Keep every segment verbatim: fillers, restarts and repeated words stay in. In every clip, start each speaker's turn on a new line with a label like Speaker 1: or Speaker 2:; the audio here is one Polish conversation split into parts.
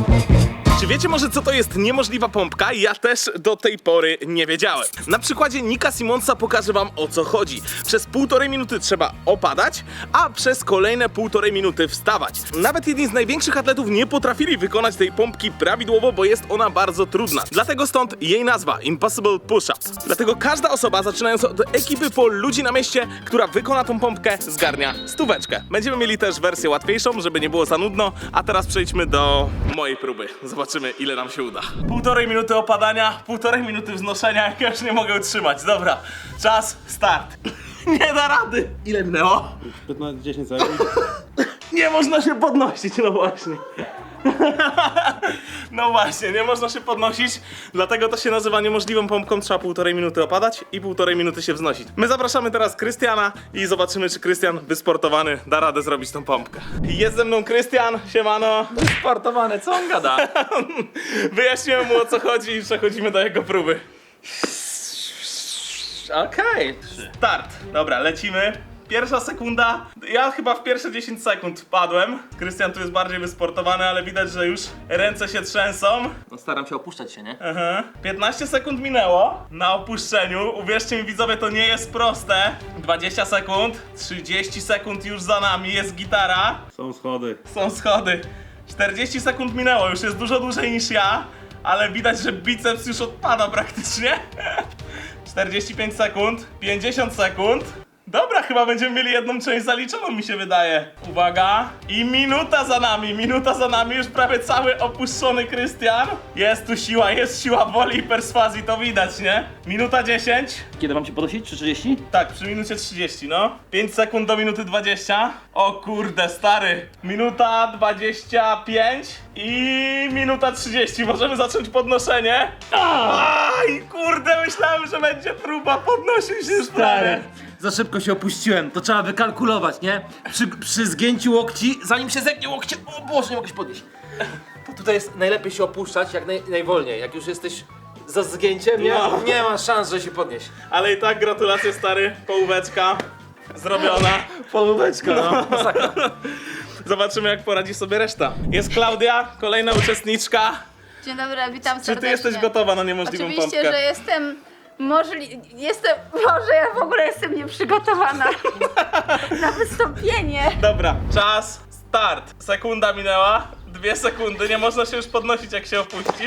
Speaker 1: Czy wiecie może, co to jest niemożliwa pompka? Ja też do tej pory nie wiedziałem. Na przykładzie Nika Simonsa pokażę wam, o co chodzi. Przez półtorej minuty trzeba opadać, a przez kolejne półtorej minuty wstawać. Nawet jedni z największych atletów nie potrafili wykonać tej pompki prawidłowo, bo jest ona bardzo trudna. Dlatego stąd jej nazwa Impossible Push-Up. Dlatego każda osoba, zaczynając od ekipy po ludzi na mieście, która wykona tą pompkę, zgarnia stóweczkę. Będziemy mieli też wersję łatwiejszą, żeby nie było za nudno, a teraz przejdźmy do mojej próby. Zobaczymy, ile nam się uda. Półtorej minuty opadania, półtorej minuty wznoszenia, jak ja już nie mogę utrzymać. Dobra, czas, start. Nie da rady. Ile minęło?
Speaker 2: piętnaście dziesięć sekund.
Speaker 1: Nie można się podnosić, no właśnie. No właśnie, nie można się podnosić, dlatego to się nazywa niemożliwą pompką. Trzeba półtorej minuty opadać i półtorej minuty się wznosić. My zapraszamy teraz Krystiana i zobaczymy, czy Krystian wysportowany da radę zrobić tą pompkę. Jest ze mną Krystian, siemano.
Speaker 3: Sportowane, co on gada?
Speaker 1: Wyjaśniłem mu, o co chodzi i przechodzimy do jego próby.
Speaker 3: Okej. Okay.
Speaker 1: Start. Dobra, lecimy. Pierwsza sekunda, ja chyba w pierwsze dziesięć sekund padłem. Krystian tu jest bardziej wysportowany, ale widać, że już ręce się trzęsą.
Speaker 3: No staram się opuszczać się, nie?
Speaker 1: Aha. piętnaście sekund minęło na opuszczeniu. Uwierzcie mi, widzowie, to nie jest proste. dwadzieścia sekund, trzydzieści sekund już za nami, jest gitara.
Speaker 2: Są schody.
Speaker 1: Są schody. czterdzieści sekund minęło, już jest dużo dłużej niż ja, ale widać, że biceps już odpada praktycznie. czterdzieści pięć sekund, pięćdziesiąt sekund. Dobra, chyba będziemy mieli jedną część zaliczoną, mi się wydaje. Uwaga. I minuta za nami, minuta za nami, już prawie cały opuszczony Krystian. Jest tu siła, jest siła woli i perswazji, to widać, nie? Minuta dziesięć.
Speaker 3: Kiedy mam cię podnosić? Czy trzydzieści?
Speaker 1: Tak, przy minucie trzydzieści, no. pięć sekund do minuty dwadzieścia. O kurde, stary. Minuta dwadzieścia pięć i minuta trzydzieści. Możemy zacząć podnoszenie. Aj, kurde, myślałem, że będzie próba. Podnosił się już prawie.
Speaker 4: Za szybko się opuściłem, to trzeba wykalkulować, nie? Przy, przy zgięciu łokci, zanim się zegnie łokcie, o Boże, nie mogę się podnieść. To tutaj jest najlepiej się opuszczać, jak naj, najwolniej. Jak już jesteś za zgięciem, nie,
Speaker 1: No.
Speaker 4: nie ma szans, że się podnieść.
Speaker 1: Ale i tak gratulacje, stary. Połóweczka zrobiona.
Speaker 4: Polóweczka, no.
Speaker 1: Zobaczymy, jak poradzi sobie reszta. Jest Klaudia, kolejna uczestniczka.
Speaker 5: Dzień dobry, witam
Speaker 1: Czy
Speaker 5: serdecznie.
Speaker 1: ty jesteś gotowa na niemożliwą
Speaker 5: Oczywiście,
Speaker 1: pompkę?
Speaker 5: że jestem możli... Jestem... Boże, ja w ogóle jestem nieprzygotowana na wystąpienie.
Speaker 1: Dobra, czas, start. Sekunda minęła, dwie sekundy, nie można się już podnosić, jak się opuścisz.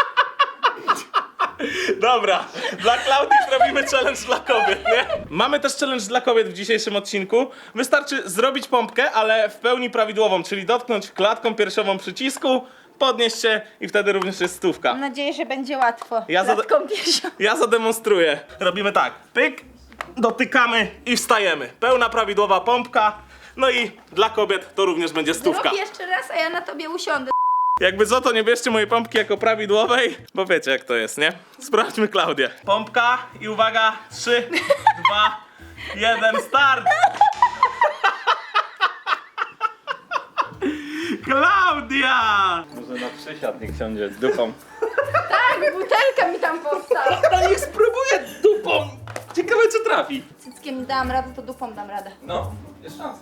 Speaker 1: Dobra, dla Klaudii zrobimy challenge dla kobiet, nie? Mamy też challenge dla kobiet w dzisiejszym odcinku. Wystarczy zrobić pompkę, ale w pełni prawidłową, czyli dotknąć klatką piersiową przycisku, podnieść się i wtedy również jest stówka.
Speaker 5: Mam nadzieję, że będzie łatwo.
Speaker 1: Ja zada-
Speaker 5: Klatką piersią.
Speaker 1: Ja zademonstruję. Robimy tak, pyk, dotykamy i wstajemy. Pełna prawidłowa pompka, no i dla kobiet to również będzie stówka.
Speaker 5: Zrób jeszcze raz, a ja na tobie usiądę.
Speaker 1: Jakby co, to nie bierzcie mojej pompki jako prawidłowej, bo wiecie, jak to jest, nie? Sprawdźmy Klaudię. Pompka i uwaga, trzy, dwa, jeden, start! Klaudia!
Speaker 3: Może na przysiad niech siądzie z dupą.
Speaker 5: Tak, butelka mi tam powstała.
Speaker 4: Ale niech spróbuję dupą. Ciekawe, co trafi.
Speaker 5: Cyckiem dam radę, to dupą dam radę.
Speaker 3: No, jest szansa.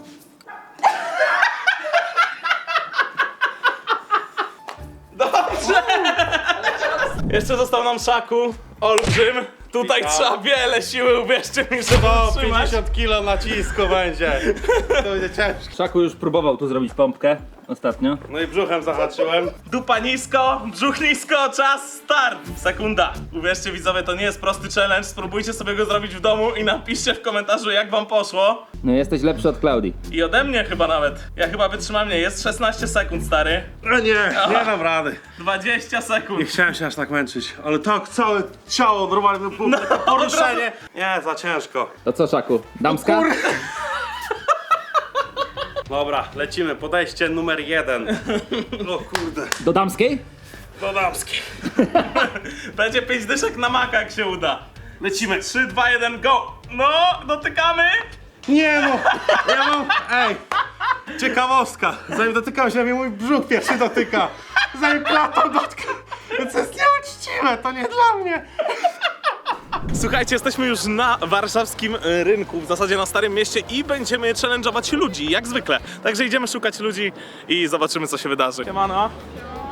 Speaker 1: Dobrze! Jeszcze został nam Szaku, olbrzym. Tutaj
Speaker 2: Witam.
Speaker 1: trzeba wiele siły, uwierzcie mi, żeby
Speaker 2: O,
Speaker 1: utrzymać.
Speaker 2: pięćdziesiąt kilo nacisku będzie. To będzie ciężko.
Speaker 3: Szaku już próbował tu zrobić pompkę ostatnio.
Speaker 2: No i brzuchem zahaczyłem.
Speaker 1: Dupa nisko, brzuch nisko, czas, start! Sekunda. Uwierzcie widzowie, to nie jest prosty challenge, spróbujcie sobie go zrobić w domu i napiszcie w komentarzu, jak wam poszło.
Speaker 3: No jesteś lepszy od Klaudii.
Speaker 1: I ode mnie chyba nawet. Ja chyba wytrzymam, nie, jest szesnaście sekund, stary.
Speaker 2: No nie, nie dam rady.
Speaker 1: dwadzieścia sekund.
Speaker 2: Nie chciałem się aż tak męczyć, ale tak całe ciało, normalnie
Speaker 1: No,
Speaker 2: poruszenie. Nie, za ciężko.
Speaker 3: To co, Szaku? Damska?
Speaker 2: Dobra, lecimy, podejście numer jeden. O kurde.
Speaker 3: Do damskiej?
Speaker 2: Do damskiej.
Speaker 1: Będzie pięć dyszek na maka, jak się uda. Lecimy. trzy, dwa, jeden, go! No, dotykamy!
Speaker 2: Nie no, ja mam, ej, ciekawostka. Zanim dotykam się, mnie mój brzuch pierwszy dotyka. Zanim klatą dotyka. Więc to jest nieuczciwe, to nie dla mnie.
Speaker 1: Słuchajcie, jesteśmy już na warszawskim y, rynku, w zasadzie na Starym Mieście i będziemy challenge'ować ludzi, jak zwykle. Także idziemy szukać ludzi i zobaczymy, co się wydarzy. Siemano.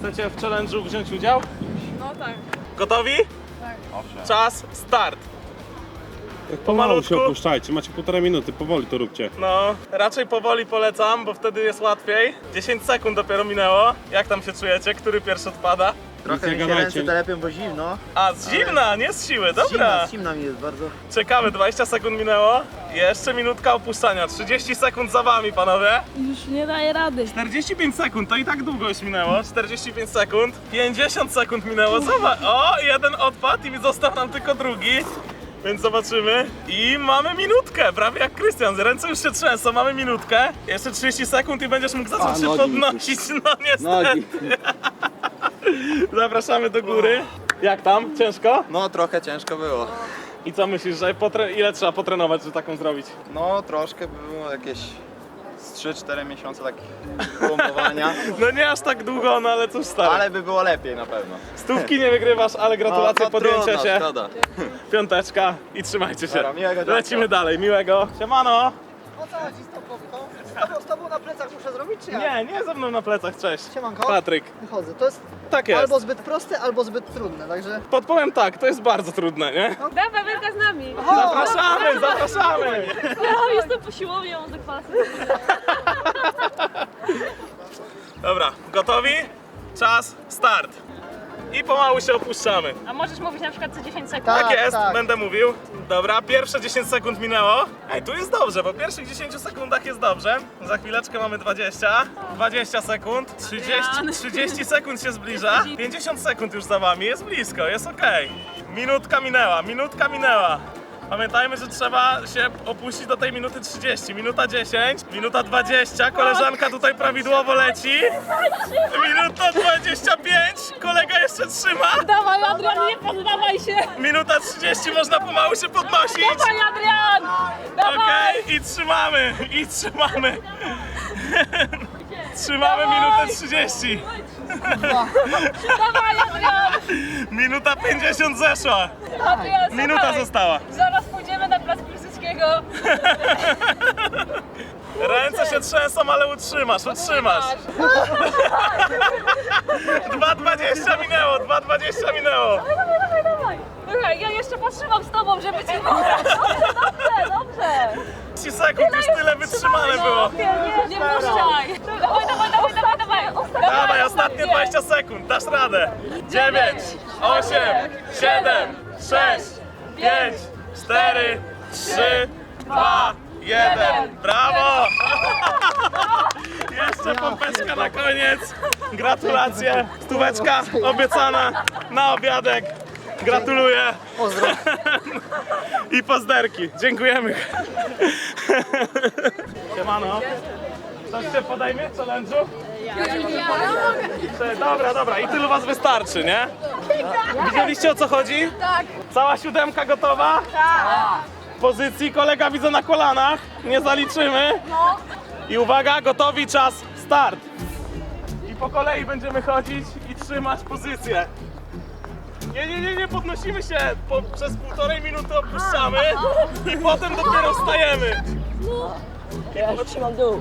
Speaker 1: Chcecie w challenge'u wziąć udział?
Speaker 6: No tak.
Speaker 1: Gotowi?
Speaker 6: Tak.
Speaker 1: Czas, start.
Speaker 2: Pomału się
Speaker 1: Pomalutku.
Speaker 2: opuszczajcie, macie półtorej minuty, powoli to róbcie.
Speaker 1: No, raczej powoli polecam, bo wtedy jest łatwiej. dziesięć sekund dopiero minęło. Jak tam się czujecie? Który pierwszy odpada?
Speaker 7: Trochę
Speaker 2: nie
Speaker 7: mi się
Speaker 2: gadajcie.
Speaker 7: ręce telepią, bo zimno.
Speaker 1: A, z zimna, nie z siły, dobra.
Speaker 7: Zimno, zimno mi jest bardzo.
Speaker 1: Czekamy, dwadzieścia sekund minęło. Jeszcze minutka opuszczania, trzydzieści sekund za wami, panowie.
Speaker 6: Już nie daje rady.
Speaker 1: czterdzieści pięć sekund, to i tak długo już minęło. czterdzieści pięć sekund, pięćdziesiąt sekund minęło. Zobacz, o, jeden odpadł i został nam tylko drugi. Więc zobaczymy. I mamy minutkę, prawie jak Krystian. Ręce już się trzęsą, mamy minutkę. Jeszcze trzydzieści sekund i będziesz mógł zacząć
Speaker 3: A,
Speaker 1: się
Speaker 3: nogi.
Speaker 1: podnosić. No niestety.
Speaker 3: Nogi.
Speaker 1: Zapraszamy do góry. Jak tam? Ciężko?
Speaker 7: No trochę ciężko było.
Speaker 1: I co myślisz, że potre... ile trzeba potrenować, żeby taką zrobić?
Speaker 7: No troszkę było jakieś z trzy cztery miesiące takich pompowania.
Speaker 1: No nie aż tak długo, no ale cóż stary.
Speaker 7: Ale by było lepiej na pewno.
Speaker 1: Stówki nie wygrywasz, ale gratulacje
Speaker 7: no,
Speaker 1: podjęcia
Speaker 7: trudno,
Speaker 1: się.
Speaker 7: Szkoda.
Speaker 1: Piąteczka i trzymajcie się.
Speaker 7: Dobra, miłego dnia.
Speaker 1: Lecimy dalej, miłego. Siemano.
Speaker 8: O co chodzi z tą pompką? Z tobą, z tobą na plecach muszę zrobić, czy jak?
Speaker 1: Nie, nie ze mną na plecach, cześć.
Speaker 8: Siemanko.
Speaker 1: Patryk.
Speaker 8: Wychodzę. To jest
Speaker 1: Tak jest.
Speaker 8: albo zbyt proste, albo zbyt trudne, także...
Speaker 1: Podpowiem tak, to jest bardzo trudne, nie?
Speaker 6: Dawaj, Wielka z nami.
Speaker 1: Zapraszamy, zapraszamy.
Speaker 6: Ja jestem po siłowni, ja mam zakwasy.
Speaker 1: Dobra, gotowi? Czas, start. I pomału się opuszczamy.
Speaker 6: A możesz mówić na przykład co dziesięć sekund?
Speaker 1: Tak,
Speaker 8: Tak,
Speaker 1: jest,
Speaker 8: tak.
Speaker 1: będę mówił. Dobra, pierwsze dziesięć sekund minęło. Ej, tu jest dobrze, po pierwszych dziesięciu sekundach jest dobrze. Za chwileczkę mamy dwadzieścia. dwadzieścia sekund. trzydzieści, trzydzieści sekund się zbliża. pięćdziesiąt sekund już za wami, jest blisko, jest okej. Minutka minęła, minutka minęła. Pamiętajmy, że trzeba się opuścić do tej minuty trzydzieści. Minuta dziesięć, minuta dwadzieścia. Koleżanka tutaj prawidłowo leci. Minuta dwadzieścia pięć. Kolega jeszcze trzyma.
Speaker 6: Dawaj, Adrian, nie poddawaj się.
Speaker 1: Minuta trzydzieści, można pomału się podnosić.
Speaker 6: Dawaj, Adrian. Dawaj.
Speaker 1: Okej, i trzymamy, i trzymamy. Trzymamy minutę trzydzieści.
Speaker 6: Dawaj, Adrian.
Speaker 1: Minuta pięćdziesiąt zeszła.
Speaker 6: Adrian,
Speaker 1: Minuta
Speaker 6: słuchaj.
Speaker 1: została.
Speaker 6: Zaraz pójdziemy na plac Piłsudskiego.
Speaker 1: Ręce się trzęsą, ale utrzymasz, utrzymasz. dwa dwadzieścia minęło, dwa dwadzieścia minęło.
Speaker 6: Dawaj, dawaj, dawaj. Słuchaj, ja jeszcze potrzymam z tobą, żeby cię pobrać. Dobrze, dobrze, dobrze.
Speaker 1: trzydzieści sekund, już tyle wytrzymane było.
Speaker 6: Nie, nie, nie puszczaj. Dawaj, dawaj, dawaj, dawaj, dawaj.
Speaker 1: Dawaj, ostatnie dwadzieścia sekund, dasz radę. dziewięć, osiem, siedem, sześć, pięć, cztery, trzy, dwa, jeden. Brawo! Jeszcze pompeczka na koniec. Gratulacje. Stóweczka obiecana na obiadek. Gratuluję.
Speaker 8: Pozdro.
Speaker 1: I pozderki. Dziękujemy. Siemano. Coś się podejmie w challenge'u? Dobra, dobra. I tylu was wystarczy, nie? Widzieliście, o co chodzi? Tak. Cała siódemka gotowa? Tak. Pozycji kolega widzę na kolanach. Nie zaliczymy. I uwaga, gotowi, czas, start. I po kolei będziemy chodzić i trzymać pozycję. Nie, nie, nie, nie podnosimy się. Po, przez półtorej minuty opuszczamy i potem dopiero wstajemy.
Speaker 9: Ja już trzymam dół.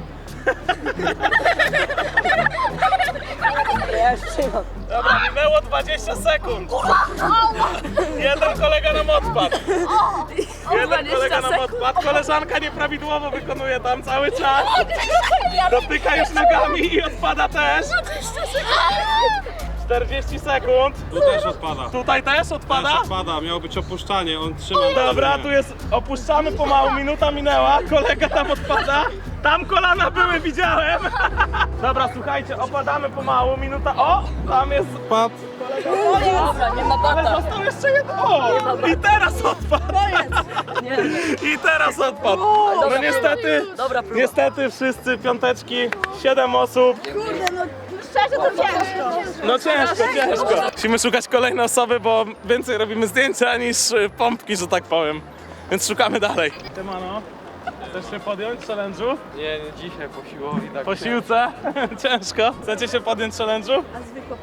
Speaker 9: Ja już trzymam.
Speaker 1: Dobra, minęło dwadzieścia sekund. Jeden kolega nam odpadł. Jeden kolega nam odpadł. Koleżanka nieprawidłowo wykonuje tam cały czas. Dotyka już nogami i odpada też. czterdzieści sekund.
Speaker 2: Tu też odpada.
Speaker 1: Tutaj też odpada?
Speaker 2: Też odpada, miało być opuszczanie, on trzyma.
Speaker 1: Dobra, tu jest, opuszczamy pomału, minuta minęła, kolega tam odpada. Tam kolana były, widziałem. Dobra, słuchajcie, opadamy pomału, minuta, o, tam jest
Speaker 2: Pad.
Speaker 9: Dobra, nie ma
Speaker 1: ale
Speaker 9: bata.
Speaker 1: został jeszcze jeden, o, i teraz odpadł. I teraz odpadł. No niestety,
Speaker 9: Dobra próba.
Speaker 1: niestety wszyscy piąteczki, siedem osób.
Speaker 5: Szczerze to ciężko.
Speaker 1: No ciężko, ciężko. Musimy szukać kolejnej osoby, bo więcej robimy zdjęcia niż y, pompki, że tak powiem. Więc szukamy dalej. Siemano, chcesz się podjąć challenge'u?
Speaker 7: Nie, nie dzisiaj po siłowni tak.
Speaker 1: Po siłce? Ciężko. Chcecie się podjąć challenge'u?
Speaker 5: A zwykła pompka?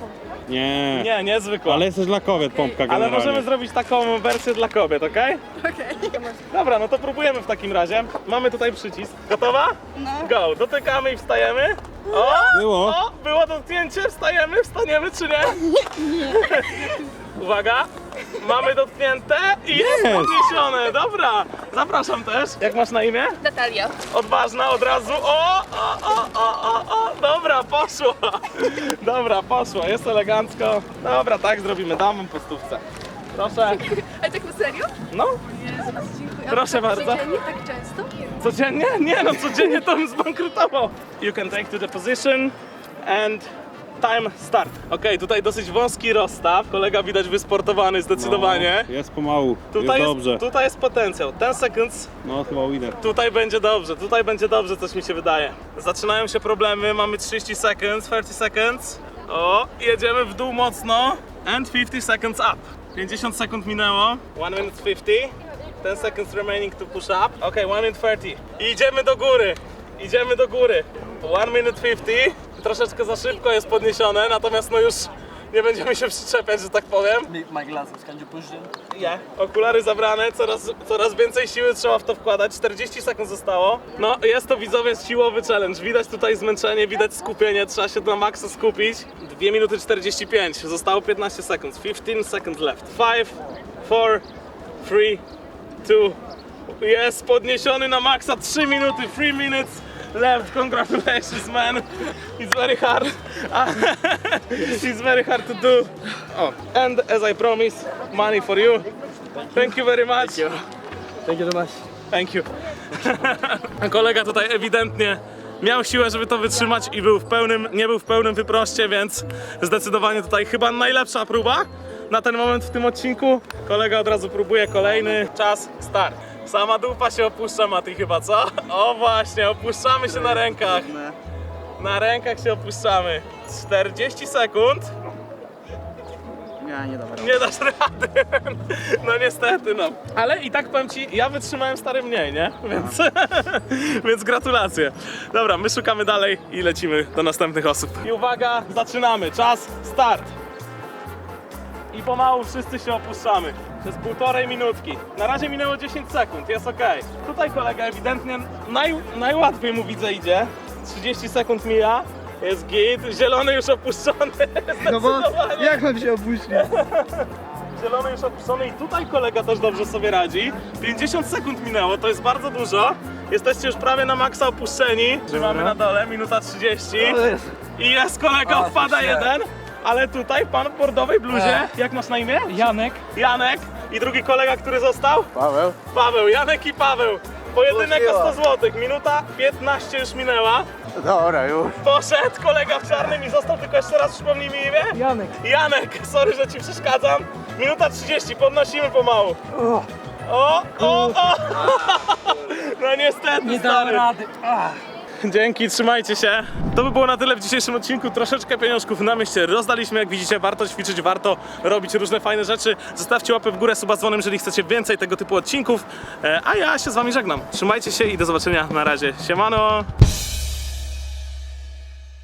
Speaker 2: Nie.
Speaker 1: Nie, niezwykła.
Speaker 2: Ale jesteś dla kobiet pompka
Speaker 1: Ale
Speaker 2: generalnie.
Speaker 1: możemy zrobić taką wersję dla kobiet, okej? Okej. Dobra, no to próbujemy w takim razie. Mamy tutaj przycisk. Gotowa? No. Go. Dotykamy i wstajemy. O!
Speaker 2: Było.
Speaker 1: O! Było dotknięcie, wstajemy, wstaniemy czy nie? Nie. Uwaga. Mamy dotknięte i jest
Speaker 2: Jest.
Speaker 1: podniesione. Dobra. Zapraszam też. Jak masz na imię?
Speaker 5: Natalia.
Speaker 1: Odważna od razu. O, o, o, o, o, o. Dobra, poszło. Dobra, poszło. Jest elegancko. Dobra, tak zrobimy. Dam wam po stówce. Proszę.
Speaker 5: Ale tak na serio?
Speaker 1: No,
Speaker 5: Jezus, dziękuję.
Speaker 1: proszę bardzo.
Speaker 5: Codziennie tak często?
Speaker 1: Codziennie? Nie no, codziennie to bym zbankrutował. You can take to the position and time start. Okej, tutaj dosyć wąski rozstaw. Kolega widać wysportowany zdecydowanie.
Speaker 2: No, jest pomału,
Speaker 1: Tutaj
Speaker 2: jest dobrze.
Speaker 1: jest, tutaj jest potencjał. ten seconds.
Speaker 2: No chyba winner.
Speaker 1: Tutaj będzie dobrze, tutaj będzie dobrze, coś mi się wydaje. Zaczynają się problemy, mamy trzydzieści seconds, trzydzieści seconds. O, jedziemy w dół mocno. And pięćdziesiąt seconds up. pięćdziesiąt sekund minęło. one minute pięćdziesiąt. ten seconds remaining to push up. Ok, one minute trzydzieści. I idziemy do góry. Idziemy do góry. one minute pięćdziesiąt. Troszeczkę za szybko jest podniesione, natomiast no już nie będziemy się przyczepiać, że tak powiem.
Speaker 9: My glasses, can you push them?
Speaker 1: Nie. Okulary zabrane, coraz, coraz więcej siły trzeba w to wkładać, czterdzieści sekund zostało. No, jest to widzowie siłowy challenge, widać tutaj zmęczenie, widać skupienie, trzeba się na maksa skupić. dwie minuty czterdzieści pięć, zostało piętnaście sekund, piętnaście seconds left. pięć, cztery, trzy, dwa, jest podniesiony na maksa, trzy minuty, three minutes left, congratulations man, it's very hard, it's very hard to do. Oh, and as I promised, money for you. Thank you very much.
Speaker 9: Thank you very much.
Speaker 1: Thank you. Kolega tutaj ewidentnie miał siłę, żeby to wytrzymać i był w pełnym, nie był w pełnym wyproście, więc zdecydowanie tutaj chyba najlepsza próba na ten moment w tym odcinku. Kolega od razu próbuje kolejny. Czas, start. Sama dupa się opuszcza, Mati, chyba, co? O właśnie, opuszczamy się na rękach. Na rękach się opuszczamy. czterdzieści sekund.
Speaker 7: Ja nie dam rady.
Speaker 1: Nie dasz rady. No niestety, no. Ale i tak powiem ci, ja wytrzymałem stary mniej, nie? Więc, więc gratulacje. Dobra, my szukamy dalej i lecimy do następnych osób. I uwaga, zaczynamy. Czas, start. I pomału wszyscy się opuszczamy. Przez półtorej minutki. Na razie minęło dziesięć sekund, jest ok. Tutaj kolega ewidentnie naj, najłatwiej mu widzę idzie. trzydzieści sekund mija. Jest git. Zielony już opuszczony.
Speaker 8: No bo
Speaker 1: Zdecydowanie.
Speaker 8: jak mam się opuścić?
Speaker 1: Zielony już opuszczony i tutaj kolega też dobrze sobie radzi. pięćdziesiąt sekund minęło, to jest bardzo dużo. Jesteście już prawie na maksa opuszczeni. Trzymamy na dole, minuta trzydzieści. I jest kolega, odpada jeden. Ale tutaj pan w bordowej bluzie, jak masz na imię?
Speaker 4: Janek.
Speaker 1: Janek. I drugi kolega, który został?
Speaker 7: Paweł?
Speaker 1: Paweł, Janek i Paweł. Pojedynek o sto złotych, minuta piętnaście już minęła.
Speaker 7: Dobra, już.
Speaker 1: Poszedł kolega w czarnym i został, tylko jeszcze raz przypomnij mi imię?
Speaker 4: Janek.
Speaker 1: Janek, sorry, że ci przeszkadzam. Minuta trzydzieści, podnosimy pomału. O, o, o! No niestety,
Speaker 4: Nie dałem
Speaker 1: stary.
Speaker 4: rady.
Speaker 1: Dzięki, trzymajcie się. To by było na tyle w dzisiejszym odcinku. Troszeczkę pieniążków na mieście rozdaliśmy. Jak widzicie, warto ćwiczyć, warto robić różne fajne rzeczy. Zostawcie łapę w górę, suba z dzwonem, jeżeli chcecie więcej tego typu odcinków. E, A ja się z wami żegnam. Trzymajcie się i do zobaczenia. Na razie. Siemano!